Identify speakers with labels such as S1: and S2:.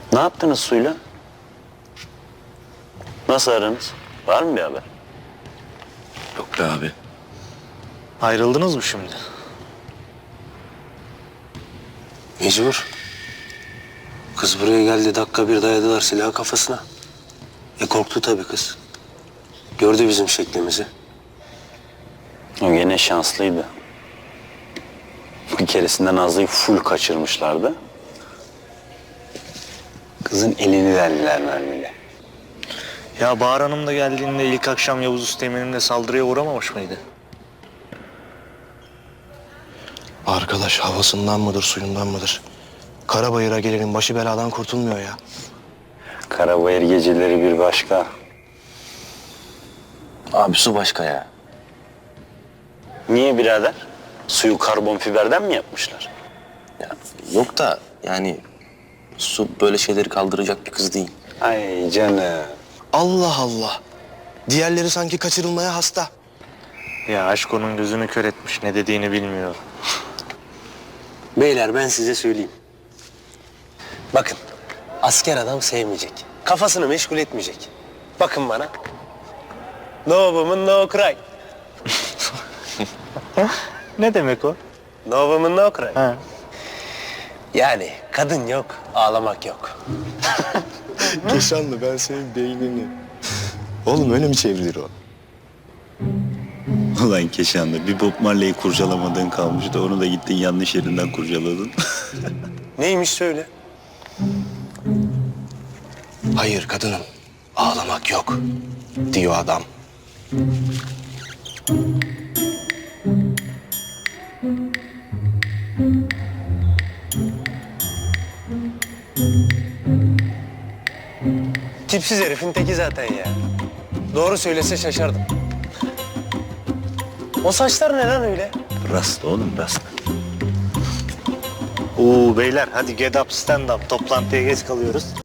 S1: Ne yaptınız suyla? Nasıl aranız? Var mı bir haber?
S2: Yok be abi.
S3: Ayrıldınız mı şimdi?
S4: Mecbur. Kız buraya geldi, dakika bir dayadılar silahı kafasına. Korktu tabii kız. Gördü bizim şeklimizi.
S1: O gene şanslıydı. Bir keresinde Nazlı'yı full kaçırmışlardı. Kızın elini verdiler mermiyle.
S3: Ya Bahar Hanım da geldiğinde ilk akşam Yavuz Üsteğmen'in de saldırıya uğramamış mıydı?
S5: Arkadaş havasından mıdır, suyundan mıdır? Karabayır'a gelenin başı beladan kurtulmuyor ya.
S1: Karabayır geceleri bir başka.
S2: Abi su başka ya.
S1: Niye birader? Suyu karbon fiberden mi yapmışlar?
S2: Ya yok da yani su böyle şeyleri kaldıracak bir kız değil.
S1: Ay canım.
S5: Allah Allah. Diğerleri sanki kaçırılmaya hasta.
S3: Ya aşk onun gözünü kör etmiş, ne dediğini bilmiyor.
S4: Beyler ben size söyleyeyim. Bakın, asker adam sevmeyecek. Kafasını meşgul etmeyecek. Bakın bana. No woman, no cry.
S3: Ne demek o?
S4: No woman, no cry.
S3: Ha.
S4: Yani kadın yok, ağlamak yok.
S5: Keşanlı ben senin beynini. Oğlum öyle mi çevrilir o?
S6: Ulan Keşanlı, bir Bob Marley'i kurcalamadığın kalmıştı. Onu da gittin yanlış yerinden kurcaladın.
S4: Neymiş söyle.
S5: Hayır kadınım. Ağlamak yok. Diyor adam.
S4: Tipsiz herifin teki zaten ya. Doğru söylese şaşardım. O saçlar ne lan öyle?
S6: Rast oğlum, rast.
S3: Oo beyler hadi get up stand up, toplantıya geç kalıyoruz.